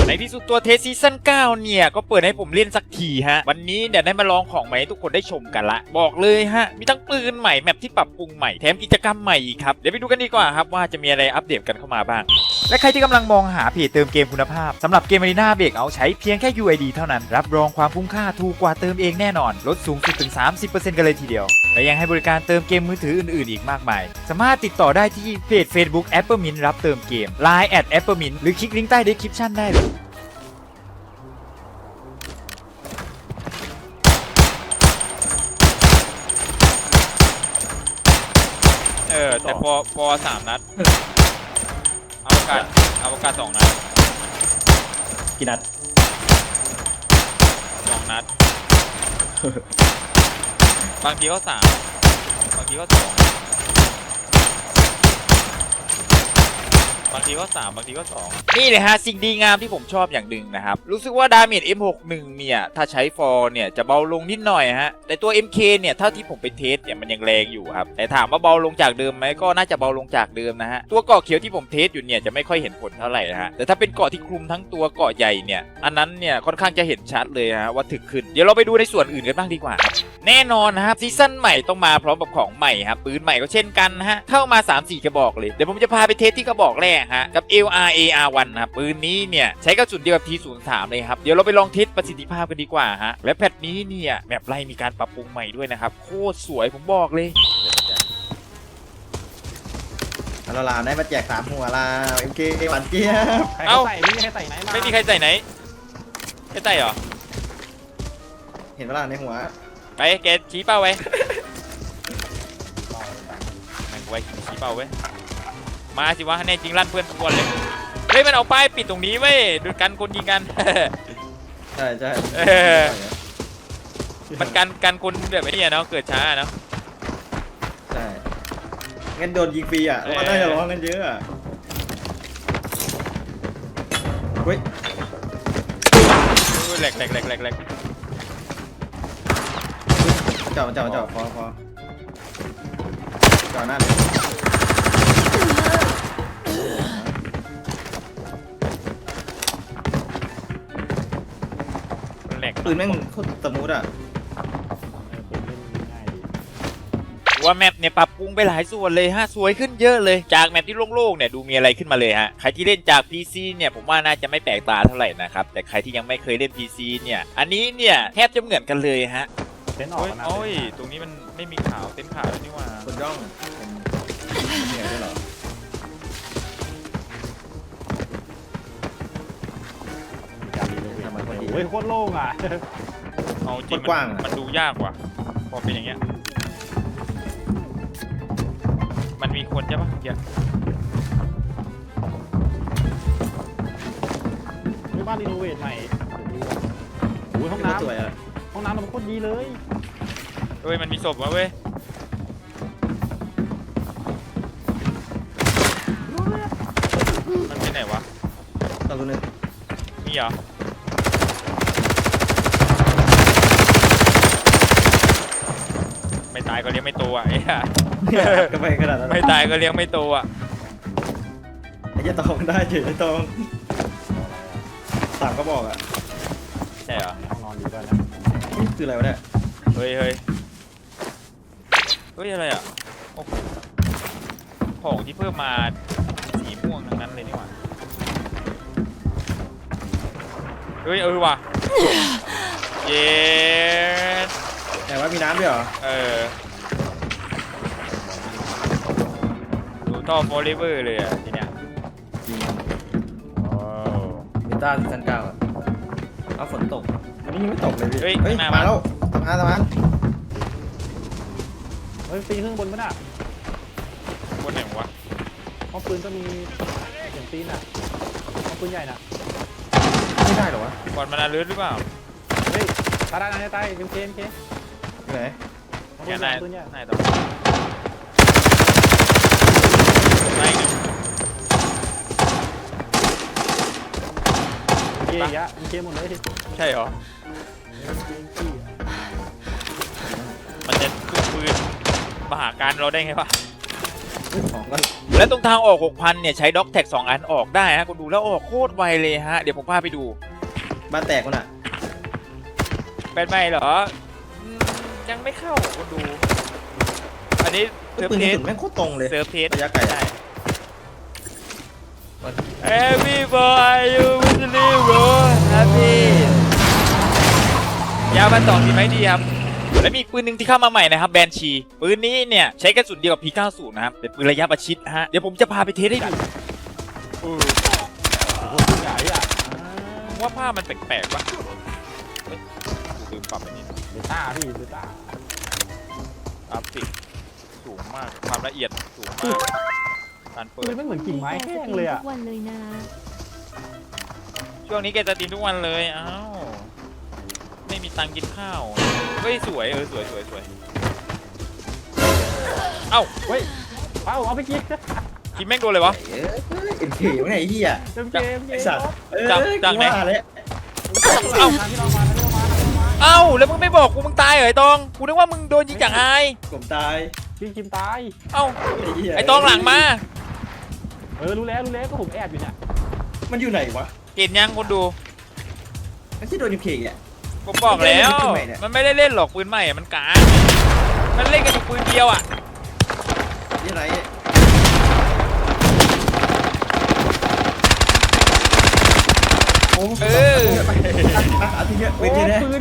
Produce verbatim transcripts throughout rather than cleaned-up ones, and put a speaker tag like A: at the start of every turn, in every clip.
A: ในที่สุดตัวเทสซีซั่นเก้าเนี่ยก็เปิดให้ผมเล่นสักทีฮะวันนี้เดี๋ยวได้มาลองของใหม่ให้ทุกคนได้ชมกันละบอกเลยฮะมีทั้งปืนใหม่แมปที่ปรับปรุงใหม่แถมกิจกรรมใหม่อีกครับเดี๋ยวไปดูกันดีกว่าครับว่าจะมีอะไรอัปเดตกันเข้ามาบ้างและใครที่กำลังมองหาเพจเติมเกมคุณภาพสำหรับเกม Arena Breakout ใช้เพียงแค่ ยู ไอ ดี เท่านั้นรับรองความคุ้มค่าถูกกว่าเติมเองแน่นอนลดสูงสุดถึง สามสิบเปอร์เซ็นต์ กันเลยทีเดียวและยังให้บริการเติมเกมมือถืออื่นๆอีกมากมายสามารถติดต่อได้ที่เพจ Facebook Appermint รับเติมเกม ไลน์ แอท Appermint หรือคลิกลิงก์ใต้ Description ได้เลยเออแต่พอพอสามนัดเอาประกาศเอาประกาศสองนัด
B: กี่นัด
A: สองนัดบางทีก็สามบางทีก็สองบางทีก็สามบางทีก็สองนี่เลยฮะสิ่งดีงามที่ผมชอบอย่างหนึ่งนะครับรู้สึกว่าดาเมจ เอ็ม หกสิบเอ็ด เนี่ยถ้าใช้ฟอร์เนี่ยจะเบาลงนิดหน่อยฮะแต่ตัว เอ็ม เค เนี่ยเท่าที่ผมไปเทสเนี่ยมันยังแรงอยู่ครับแต่ถามว่าเบาลงจากเดิมไหมก็น่าจะเบาลงจากเดิมนะฮะตัวเกาะเขียวที่ผมเทสอยู่เนี่ยจะไม่ค่อยเห็นผลเท่าไหร่นะฮะแต่ถ้าเป็นเกาะที่คลุมทั้งตัวเกาะใหญ่เนี่ยอันนั้นเนี่ยค่อนข้างจะเห็นชัดเลยฮะว่าถึกขึ้นเดี๋ยวเราไปดูในส่วนอื่นกันบ้างดีกว่าแน่นอนนะครับซีซั่นใหม่ต้องมาพร้อมกับของใหม่ครับปืนใหม่ก็เช่นกันฮะเข้ามา สามสี่ กระบอกเลยเดี๋ยวผมจะพาไปเทสที่กระบอกแรกฮะกับ เอล อาร์ เอ อาร์ วัน นะครับปืนนี้เนี่ยใช้กระสุนเดียวกับ ที ศูนย์ สาม เลยครับเดี๋ยวเราไปลองเทสประสิทธิภาพกันดีกว่าฮะและแพทนี้เนี่ยแบบไล่มีการปรับปรุงใหม่ด้วยนะครับโคตรสวยผมบอกเลย
B: เราลาได้มาแจกสามหัวลาเอ็มเคหวานเจี๊ยบ
A: เอ้า
C: ใส่ไม่มีใครใส่ไหนมา
A: ไม่มีใครใส่ไหนใครใส่เหรอ
B: เห็นเวลาในหัว
A: ไปแกชี้เป้าไว้แม่งไว้ชี้เป้าไว้มาสิวะแน่จริงลั่นเพื่อนทุกคนเลยเฮ้ยมันเอาป้ายปิดตรงนี้เว้ยดูกันคนยิงกัน
B: ใช่ใช่
A: มันกันกันคนแบบไอ้นี่เนาะเกิดช้าเนาะ
B: ใช่งั้นโดนยิงฟรีอ่ะว่าน่าจะร้องกันเยอะอ่ะเฮ้ย
A: แหลกแหลกแหลกแหลกแหลก
B: จ่อจ่อจ่อพอพอจ่อหน้าเลยปืนแม่งโคตรสมูทอ่ะ
A: ว่าแมปเนี่ยปรับปรุงไปหลายส่วนเลยฮะสวยขึ้นเยอะเลยจากแมปที่โล่งๆเนี่ยดูมีอะไรขึ้นมาเลยฮะใครที่เล่นจาก พี ซี เนี่ยผมว่าน่าจะไม่แปลกตาเท่าไหร่นะครับแต่ใครที่ยังไม่เคยเล่น พี ซี เนี่ยอันนี้เนี่ยแทบจะเหมือนกันเลยฮะ
C: เต้นออกนะ
A: โอ้ยตรงนี้มันไม่มีขาวเต้นขาวแล้วนี่ว่า
B: คนย่องเป็นเหนื่อยด้วยเหรอ
C: โอ้ยโคตรโล่งอ่ะ
A: เอาจริงมันดูยากว่ะพอเป็นอย่างเงี้ยมันมีคนใช่ปะเยอะ
C: ไม่บ้านรีโนเวทใหม่โอ้ยห้องน้ำห้องน้ำมันโคตรดีเลย
A: เฮ้ยมันมีศพวะเว้ยมันเป็นไหนวะ
B: ตัวนึง
A: มีเหรอไม่ตายก็เลี้ยงไม่โตอ่ะไอ้ห่า
B: ก็ไปขนาดนั้น
A: ไม่ตายก็เลี้ยงไม่โตอ่ะ
B: ไอ้เจ้าตองได้เฉยไอ้ตองสามก็บอกอ่ะ
A: ใช่เหรอ
C: ห้องนอนอยู่ด้วยนะ
B: นี่คืออะไรวะเนี่ย
A: เฮ้ยเฮ้ยเฮ้ยอะไรอ่ะของที่เพิ่มมาสีม่วงทั้งนั้นเลยนี่หว่าเฮ้ยเออว่ะเย้
B: แต่ว่ามีน้ำด้วยเหรอ
A: เออดูท่อโฟลิเวอร์เลยอ่ะทีเนี้ย
B: จริงโอ้เบต้าซีซั่นเก้าเอาฝนตกอันนี้ยังไม่ตกเลยพี่
A: เฮ้ย
B: มาแล้วทำงานทำงาน
C: เฮ้ยปีนขึ้นบนมั้ยน่ะ
A: บนไหนวะ
C: ห้องปืนก็มีเสียงตีนอ่ะห้องปืนใหญ่น่ะ
B: ไม่ได้หรอวะ
A: บอลมันลื่นหรือเปล่า
C: เฮ้ยตายตายตายเอ็มเคเอ็มเค
B: ไหน
A: แกนายนายต่อไม่ไง
C: เกย์ยะเกย์หมดเลย
A: ใช่เหรอมันจะขึ้นปืนมหาการเราได้ไงวะ
C: เ
B: ซื้อของก่อน
A: และตรงทางออก หกพัน เนี่ยใช้ด็อกแท็กสองอันออกได้ฮะคุณดูแล้วออกโคตรไวเลยฮะเดี๋ยวผมพาไปดู
B: บ้านแตกคนอ่ะ
A: เป็นไหมเหรออืมยังไม่เข้าคุณดู อันนี้เซิร์ฟ
B: ปืน
A: เท
B: กระ
A: ส
B: สุนแม่งโคตรตรงเลย
A: เซิร์ฟเทส
B: ระยะไกล
A: ได้ Every boy you will live bro happy ยาวมันต่อทีไหมดีครับ และมีอีกปืนหนึ่งที่เข้ามาใหม่นะครับแบนชีปืนนี้เนี่ยใช้กระสุนเดียวกับ พี เก้าสิบ นะครับเป็นปืนระยะประชิดฮะเดี๋ยวผมจะพาไปเทสให้ดู
C: โอ้โหใหญ่อะ
A: ผมว่าภาพมันแปลกๆปะเฮ้ยกูลืมปรับไปนิด
C: เบต้าพี่เบต้า
A: กราฟิกสูงมากความละเอียดสูงมากการเปิ
C: ปื
A: ด
C: นไม่เหมือนกิ่งไม้แห้งเลยอะ
D: ทุกวันเลยนะ
A: ช่วงนี้แกจะตีนทุกวันเลยอ้าวไม่มีตังค์กินข้าวเฮ้ยสวยเออสวยสวยสวยเอ้า
C: เฮ้ยเอาเอาไปกิน
A: คิมแม่งโดนเลยวะ
B: เอ้ยเอ็นเคอยู่ไหนไอ้เหี้ย
C: เกมเกมเก
B: ไอ้
C: ม
B: สัตว์เอ้ย
A: จับจับไหน
B: กูว่าเลย
A: เอ้า
C: ที่เรามาที่เรามาที่เรามา
A: เอ้าแล้วมึงไม่บอกกูมึงตายเหรอไอ้ตองกูนึกว่ามึงโดนยิงจากไอ
B: ผมตาย
C: พี่คิมตาย
A: เอ้า
B: ไอ้เหี้ย
A: ไอ้ตองหลังมา
C: เออรู้แล้วรู้แล้วก็ผมแอบอยู่เนี่ย
B: มันอยู่ไหนวะ
A: เห็นยังคนดู
B: ไม่ใช่โดนเอ็นเคอ่ะ
A: ผมบอกแล้ว
B: มันเป็นปืนใหม่เนี่ย
A: มันไม่ได้เล่นหรอกปืนใหม่อะมันกากมันเล่นกันอยู่ปืนเดียวอ่ะ
B: นี่ไรโอ้
A: เออ
B: อาทิตย์เนี้ยเว้นทีนะ
C: ปืน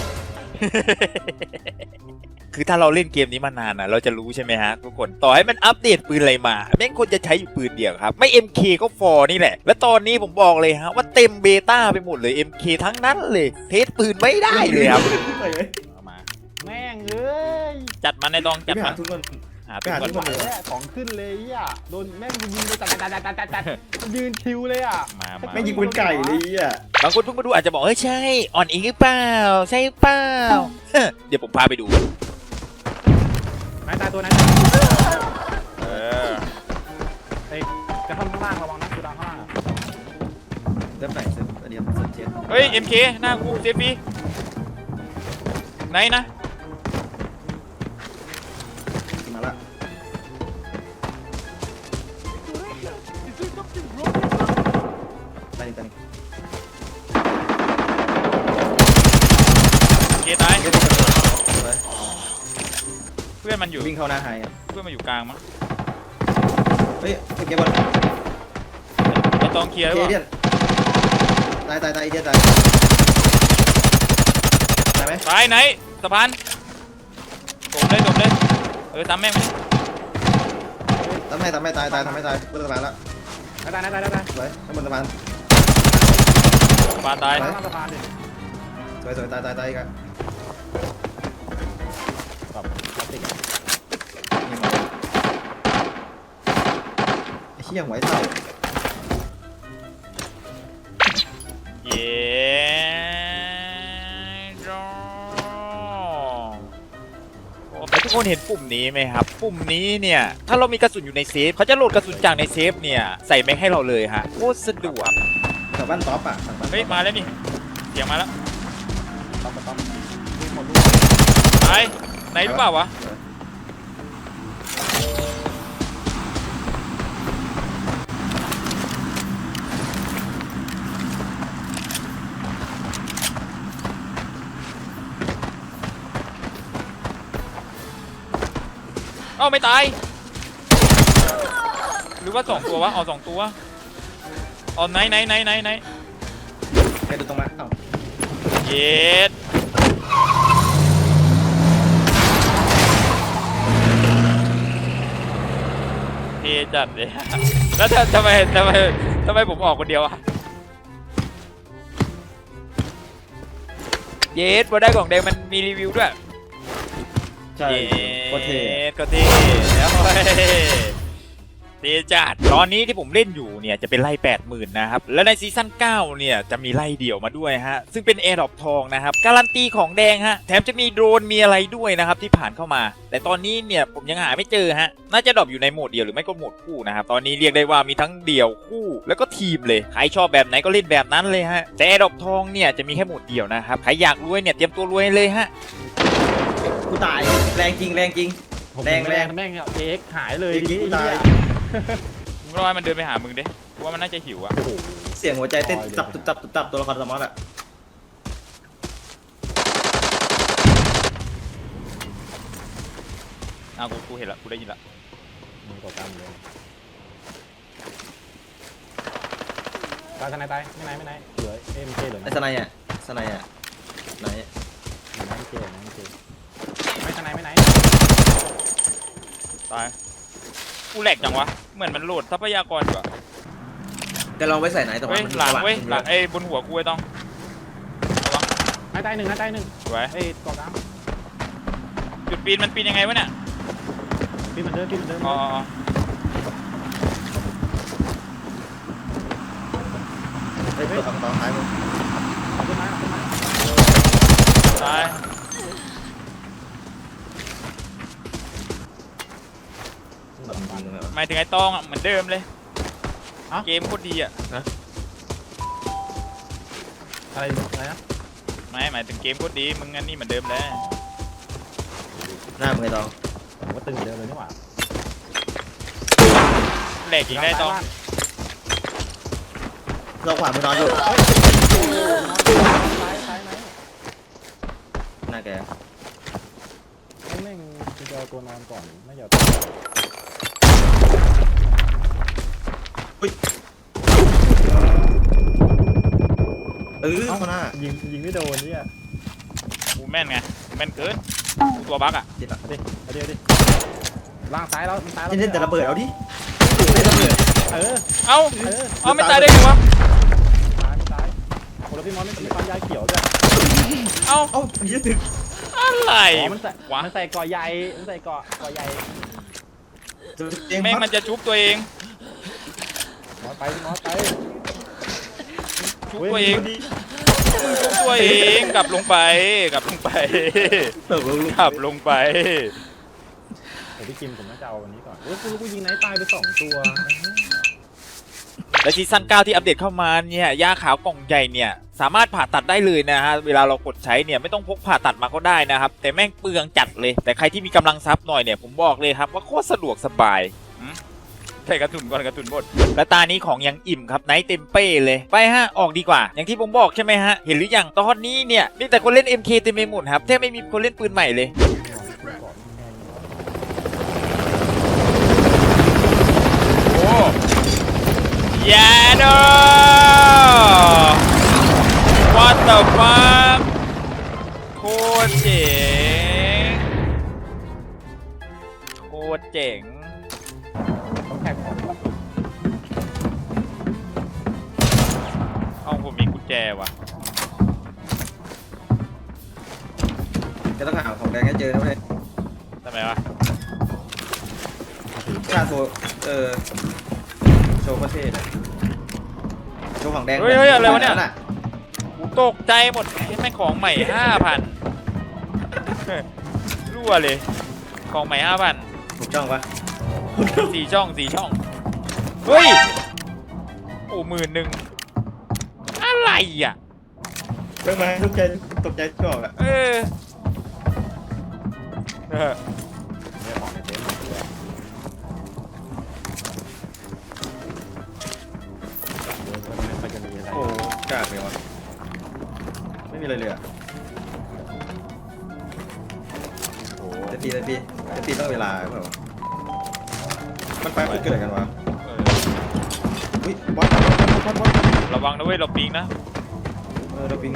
A: คือถ้าเราเล่นเกมนี้มานานนะเราจะรู้ใช่ไหมฮะทุกคนต่อให้มันอัปเดตปืนอะไรมาแม่งคนจะใช้อยู่ปืนเดียวครับไม่ เอ็ม เค ก็ฟอร์นี่แหละและตอนนี้ผมบอกเลยฮะว่าเต็มเบต้าไปหมดเลย เอ็ม เค ทั้งนั้นเลยเทสปืนไม่ได้เลยครับเอามา
C: แม่งเอ้ย
A: จัดมันในตองจัด
B: ไป
A: มั
B: หาน ทุกคน
A: หาตัว
B: ไปหา
A: ก่อน
B: ทุกคน
C: แม่ของขึ้นเลยอ่ะโดนแม่งยิงเลยจัดจัดจัดจัดจัดจัดยืนคิวเลยอ่ะ
A: มามา
B: ไม่ยิงปืนไก่เลยอ่ะ
A: บางคนเพิ่งมาดูอาจจะบอกเฮ้ยใช่อ่อนอีกหรือเปล่าใช่เปล่าเดี๋ยวผมพาไปดู
C: นายตายตัวนั้น
A: เออ
C: เฮ้ยจะข้างล่างระวังนะคือดังข้างล่าง
B: เริ่มไหนเสร็จเดี๋ยวเสร็จเช็ด
A: เฮ้ย เอ็ม เค หน้ากูเซฟฟี่ไหนนะ
B: มาละไปนี่ไปนี่
A: เคตาย
B: เดี๋ยวเดี๋ยวเดี๋ยวไป
A: เพื่อนมันอยู่
B: วิ่งเข้าหน้าไฮอ่ะ
A: เพื่อนมันอยู่กลางมั้ง
B: เฮ้ยโอเคบอล
A: ไอตองเคลียร์ห
B: เค
A: รือเป
B: เดีย
A: ล่าน
B: ตายตายตายเดียนตายตายไหม
A: ตายไหนสะพานตบเลยตบเลยเออตามแม่งไป
B: ทำให้ทำให้ตายตายทำให้ตายบนสะพานละ
C: นายตายนายตายนายตาย
B: สวยบนสะพาน
A: สะพานตาย
C: ข้างล่างสะพานดิ
B: สวยสวยตายตายตายอีกอ่ะ
C: แบบพลาสติกอะ
B: ไอ้เหี้ยหัวไอ้เต่า
A: เย้รอแล้วทุกคนเห็นปุ่มนี้ไหมครับ ปุ่มนี้เนี่ยถ้าเรามีกระสุนอยู่ในเซฟเขาจะโหลดกระสุนจากในเซฟเนี่ยใส่แม็กให้เราเลยฮะโคตรสะดวก
B: แถวบ้านท็อปอ่ะ
A: เฮ้ยมาแล้วนี่เสียงมาแล้ว
C: ต้องต้องมีหมดลูก
A: ตายไหนหรือเปล่าวะเอ้าไม่ตายหรือว่าสองตัววะเอาสองตัวเอาไหนไหนไหนไหนไหน
B: แกดูตรงมาเอ้า
A: เย็ดเทจัดเลย แล้วทำไมทำไมทำไมผมออกคนเดียวอะเย็ดพอได้กล่องแดงมันมีรีวิวด้วย
B: ใช่โคตรเท่
A: ก็เท่แล้วเท่จัดตอนนี้ที่ผมเล่นอยู่เนี่ยจะเป็นไล่ แปดหมื่น นะครับและในซีซั่นเก้าเนี่ยจะมีไล่เดี่ยวมาด้วยฮะซึ่งเป็นแอร์ดรอปทองนะครับการันตีของแดงฮะแถมจะมีโดรนมีอะไรด้วยนะครับที่ผ่านเข้ามาแต่ตอนนี้เนี่ยผมยังหาไม่เจอฮะน่าจะดรอปอยู่ในโหมดเดียวหรือไม่ก็โหมดคู่นะครับตอนนี้เรียกได้ว่ามีทั้งเดี่ยวคู่แล้วก็ทีมเลยใครชอบแบบไหนก็เล่นแบบนั้นเลยฮะแต่แอร์ดรอปทองเนี่ยจะมีแค่โหมดเดียวนะครับใครอยากรวยเนี่ยเตรียมตัวรวยเลยฮะ
B: กูตายแรงจริงแรงจริง
A: โ
C: ผม
B: แรง
C: แรง
B: แรง
C: แม่งเอ็กหายเลย
B: เอ็กซ์
C: ทีนี้
B: ตาย
C: ไอ้
A: มึงรอให้มันเดินไปหามึงดิกูว่ามันน่าจะหิวอะ
C: เหี้ยโอ้โห
B: เสียงหัวใจเต้นตับตุบตับตุบตับตัวละครสมอสอะ
A: อ่ะกูกูเห็นละกูได้ยินละ
C: มึงกดตามเลยตายทนายตายไม่ไหนไม่ไหนเหลือเอ็มเคเหลือ
B: ไอ้
C: นะ
B: สไนด์อะสไนด์อะไหน
C: เหลือนะเอ็มเคเหลือนะเอ็มเคไม่ทนายไม่ไหน
A: ตายกูแหลกจังวะเหมือนมันโหลดทรัพยากรอยู่อะ
B: แต่ลองไปใส่ไหนแต่ว่า
A: เฮ้ย
B: มัน
A: หลัง
B: สว่าง
A: เว้ย
B: ขึ้น
A: หลังไอ้บนหัวกูไอ้ต้องระวัง
C: นายตายหนึ่งนายตายหนึ่ง
A: สวย
C: เอ้ยกอดน้
A: จุดปีนมันปีนยังไงวะเนี่ย
C: ำพี่เหมือนเดิมพี่เหมือนเดิม
A: อ๋ออ๋ออ๋อ
B: เฮ้ยตัวฝั่งตอนท้ายมึง
C: เอาขึ้นมาเอาขึ้นมา
A: ตาย
B: แบบจริงเลยวะ
A: หมายถึงไอ้ต้องอะเหมือนเดิมเลยเกมโคตรดีอะ
C: อะไรอะไรนะ
A: ไม่หมายถึงเกมโคตรดีมึงอันนี้เหมือนเดิมเลย
B: หน้ามึงไอ้ตอง
C: ผมว่าตึงเหมือนเดิมเลยนี่หว่า
A: แหลกอีกได้ต้อง
B: เราขวามึงนอนอยู่
C: ซ้ายซ้ายไหน
B: หน้าแก
C: แม่งจะเอาตัวนอนก่อนไม่อยาก
B: เออเข้าหน้า
C: ยิงยิงไม่โดนเนี่ย
A: กูแม่นไงกูแม่นเกินกูตัวบั๊กอะ
B: จิตอะ
C: เอาดิเอาดิเอาดิล่างซ้ายแล้วมันซ้ายแล้ว
B: เล่นแต่ระเบิดเอาดิเล่นระเบิด
C: เออ
A: เอ้า
C: เออ
A: เอาไม่ตายได้ไงวะ
C: ตายไม่ตายโอ้แล้วพี่มอนไม่มีความยายเขียวด้วย
A: เอ้า
B: เอ้ายืดถึง
A: อะไร
C: อ๋อมันใส่
A: วะ
C: มันใส่เกาะใหญ่มันใส่เกาะเกาะใหญ่
A: แม่งมันจะชุบตัวเอง
C: มอสไปพี่มอสไป
A: ชุบตัวเองชุบตัวเองกลับลงไปกลับลงไป
B: เติบโตลูก
A: กลับลงไป
C: เดี๋ยวพี่กิมผมน่าจะเอาวันนี้ก่อนโอ้ยกูกูยิงไหนตายไปสองตัว
A: และซีซั่นเก้าที่อัปเดตเข้ามาเนี่ยยาขาวกล่องใหญ่เนี่ยสามารถผ่าตัดได้เลยนะฮะเวลาเรากดใช้เนี่ยไม่ต้องพกผ่าตัดมาก็ได้นะครับแต่แม่งเปลืองจัดเลยแต่ใครที่มีกำลังทรัพย์หน่อยเนี่ยผมบอกเลยครับว่าโคตรสะดวกสบายใส่กระสุนก่อนกระสุนหมดและตานี้ของยังอิ่มครับไนท์เต็มเป้เลยไปฮะออกดีกว่าอย่างที่ผมบอกใช่ไหมฮะเห็นหรือยังตอนนี้เนี่ยมีแต่คนเล่น เอ็ม เค เต็มไปหมดครับแทบไม่มีคนเล่นปืนใหม่เลยโอ้ยาโด What the fuck โคตรเจ๋งโคตรเจ๋ง
C: ต้องแท็กของ
A: เอาผมมีกุญแจว่ะ
B: จะต้องหาของแดงให้เจอนะเว้ย
A: ทำไมวะ
B: ชาโซเออโชว์ประเทศอะโชว์ของแดง
A: เฮ้ยเฮ้ยอะไรวะเนี่ย
B: น่ะ
A: กูตกใจหมดให้แม่งของใหม่ห้าพันรั่วเลยของใหม่ห้าพัน
B: ถูกจ้องปะ
A: สี่ช่องสี่ช่องเฮ้ยโอ้หมื่นหนึ่งอะไรอ่ะ
B: เพิ่งมาตกใจตกใจจอกอะ
A: เออเออ
C: เนี่ยของในเต็นท์ด้วยเดินไปไม่ค่อยจะมีอะไร
B: โอ้กล้าเลยวะไม่มีอะไรเลยอะ
C: โอ้โห
B: จะตีจะตีจะตีต้องเวลาเปล่าวะมันไปมันเกิดอะไรกันวะ
A: เออ
B: อุ้ยบอสบอสบอสบอส
A: ระวังนะเว้ยเราปิงนะ
B: เออเราปิง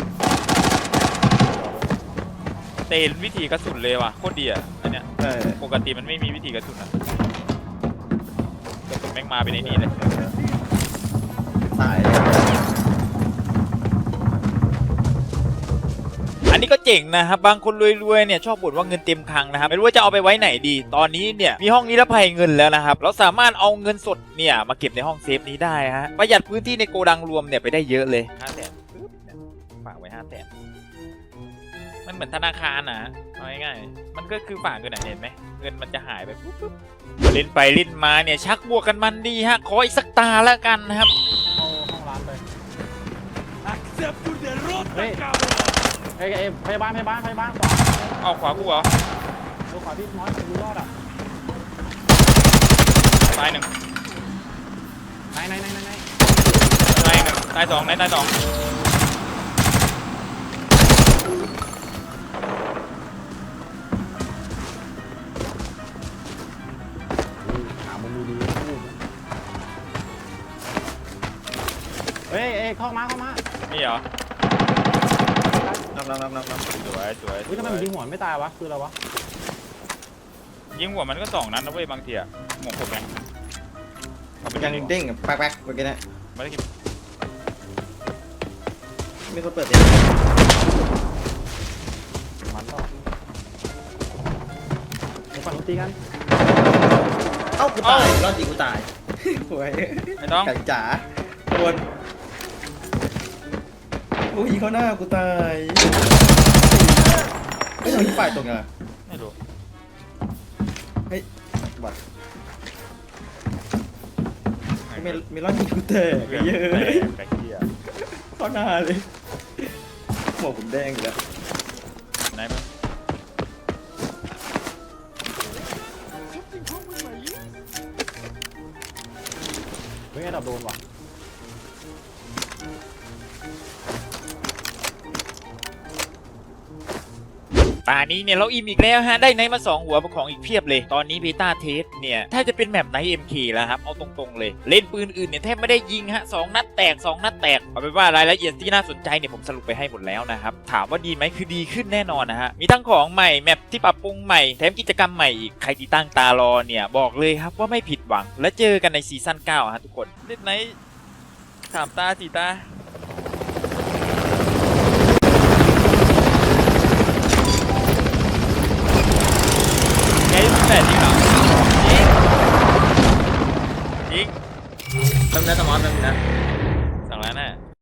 A: เตนวิธีกระสุนเลยว่ะโคตรดีอ่ะอันเนี้ย
B: ใช่
A: ปกติมันไม่มีวิธีกระสุนอ่ะกระสุนแม่งมาเป็นไอ้นี่เลย
B: สาย
A: อันนี้ก็เจ๋งนะครับบางคนรวยๆเนี่ยชอบบ่นว่าเงินเต็มคลังนะครับไม่รู้ว่าจะเอาไปไว้ไหนดีตอนนี้เนี่ยมีห้องนิรภัยเงินแล้วนะครับเราสามารถเอาเงินสดเนี่ยมาเก็บในห้องเซฟนี้ได้ฮะประหยัดพื้นที่ในโกดังรวมเนี่ยไปได้เยอะเลยห้าแสนปึ๊บเนี่ยฝากไว้ห้าแสนมันเหมือนธนาคารนะเอาง่ายๆมันก็คือฝากเงินอะเห็นไหมเงินมันจะหายไปปุ๊บปุ๊บเล่นไปเล่นมาเนี่ยชักบวกกันมันดีฮะขออีกสักตาแล้วกันนะครับ
C: เข้าห้องร้านไปเฮ้ยเฮ้ยเอ้ยพยาบาลพยาบาลพยาบาลขวา
A: เอาขวากูเหรอ
C: ดูขวาพี่มอสดูรอดอ่ะ
A: ตายหนึ่ง
C: ไหนไหนไหนไหน
A: ตายหนึ่งตายสองตายสอง
C: หามุมดีๆพูดเฮ้ยเอ้ยเข้ามาเข้ามา
A: นี่เหรอ
B: นับนับนับนับนับ
A: สวยสวย
C: เฮ้ยทำไมมันยิงหัวไม่ตายวะคืออะไรวะ
A: ยิงหัวมันก็สองนัดนะเว้ยบางทีอะหมวกผมไงเอาไป
B: ยัง
A: ยิง
B: เด้งกับแป๊กๆเมื่อกี้นะ
A: ไม่ได้กิน
B: มีคนเปิดเสียง
C: มันต่อไปฝั่งนู้นตีกัน
B: เอ้ากูตายรอดจริงกูตายหวย
A: ไม่ต้อง
B: ไก่จ๋าโดนโอ้ยเขาหน้ากูตายไม่ทำที่ฝ่ายตรงอ่ะ
A: ไม่รู้
B: เฮ้ยบัตรเมลเมลอนยิงกูแตกเยอะ
A: แบกเกีย
B: เข้าหน้าเลยหมวกผมแดงอยู่แล้ว
A: ไหนมึง
C: เฮ้ยไอ้ดับโดนว่ะ
A: ตานี้เนี่ยเราอิ่มอีกแล้วฮะได้ไนท์มาสองหัวเป็นของอีกเพียบเลยตอนนี้เบต้าเทสเนี่ยถ้าจะเป็นแมปไนท์ เอ็ม เค แล้วครับเอาตรงๆเลยเล่นปืนอื่นเนี่ยแทบไม่ได้ยิงฮะสองนัดแตกสองนัดแตกเอาเป็นว่ารายละเอียดที่น่าสนใจเนี่ยผมสรุปไปให้หมดแล้วนะครับถามว่าดีไหมคือดีขึ้นแน่นอนนะฮะมีทั้งของใหม่แมปที่ปรับปรุงใหม่แถมกิจกรรมใหม่อีกใครที่ตั้งตารอเนี่ยบอกเลยครับว่าไม่ผิดหวังและเจอกันในซีซั่นเก้าฮะทุกคนเล่นไนท์สามตาสี่ตาไงแปดจริงเหรอจริงจริง
B: แป๊บนึงนะสมอนแป๊บนึงนะ